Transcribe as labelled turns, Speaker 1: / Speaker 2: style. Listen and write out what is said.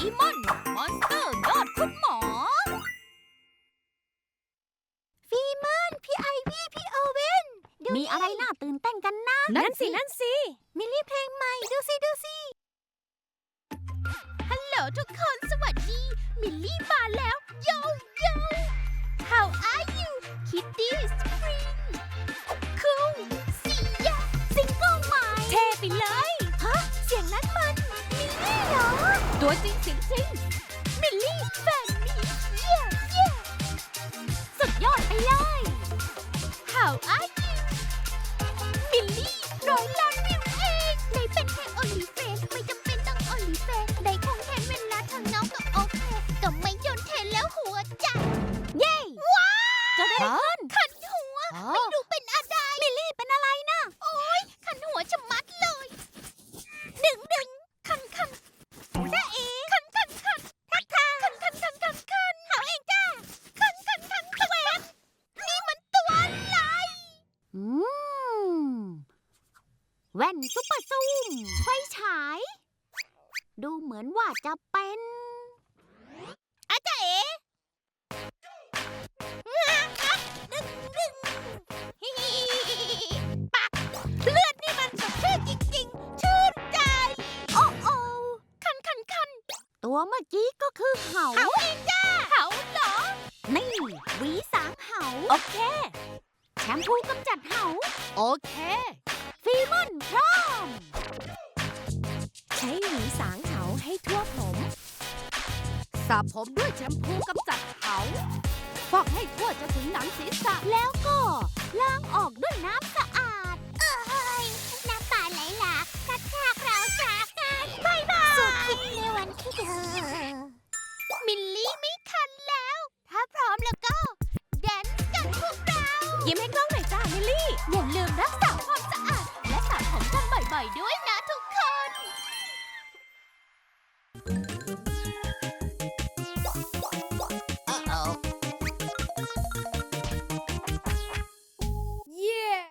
Speaker 1: มอนมอนสเตอร์ยอดคุณหมอ
Speaker 2: ฟีมอนพี่ไอวี่พี่โอเว่นมีอะไรน่าตื่นเต้นกันนะ
Speaker 1: นั่นสิ
Speaker 2: มิลลี่เพลงใหม่ดูสิฮัลโหลทุกคนสวัสดีมิลลี่มาแล้วโย How are you Kitty Spring Cool ซียาซิงเกิลใหม่
Speaker 1: เท่ไปเลย
Speaker 2: ฮะเสียงนั้นมันมิลลี่เหรอ
Speaker 1: ตัวจริงเสียงจริง
Speaker 2: มิลลี่แฟนมีเย่สุดยอดไปเลย How are you มิลลี่100 ล้านวิวเองในเป็นแค่โอลิเฟนไม่จำเป็นต้องโอลิเฟนได้คงแทนเวลาทางน้องก็โอเคก็ไม่โยนเทนแล้วหัวใจเย้ว้าวจะได้ขันหัวไม่รู้เป็นอะไรมิลลี่เป็นอะไรนะโอ๊ยขันหัวชะมัดเลยดึงคันจ้าเอ๋คันทักคันหาเองจ้าคันตัวเองนี่มันตัวอะไรแว่นซุปเปอร์ซูมไฟฉายดูเหมือนว่าจะเป็นอาจารย์เอ๋ปักเลือดนี่มันสดชื่นจริงๆชื่นใจโอ้คันตัวเมื่อกี้ก็คือเหาเองจ้าเหาเหรอนี่หวีสางเหา
Speaker 1: โอเค
Speaker 2: แชมพูกำจัดเหา
Speaker 1: โอเค
Speaker 2: ฟีมอนพร้อม
Speaker 1: ใช้หวีสางเหาให้ทั่วผมสระผมด้วยแชมพูกำจัดเหาฟอกให้ทั่วจนถึงหนังศีรษะ
Speaker 2: แล้วก็ล้างออกด้วยน้ำสะ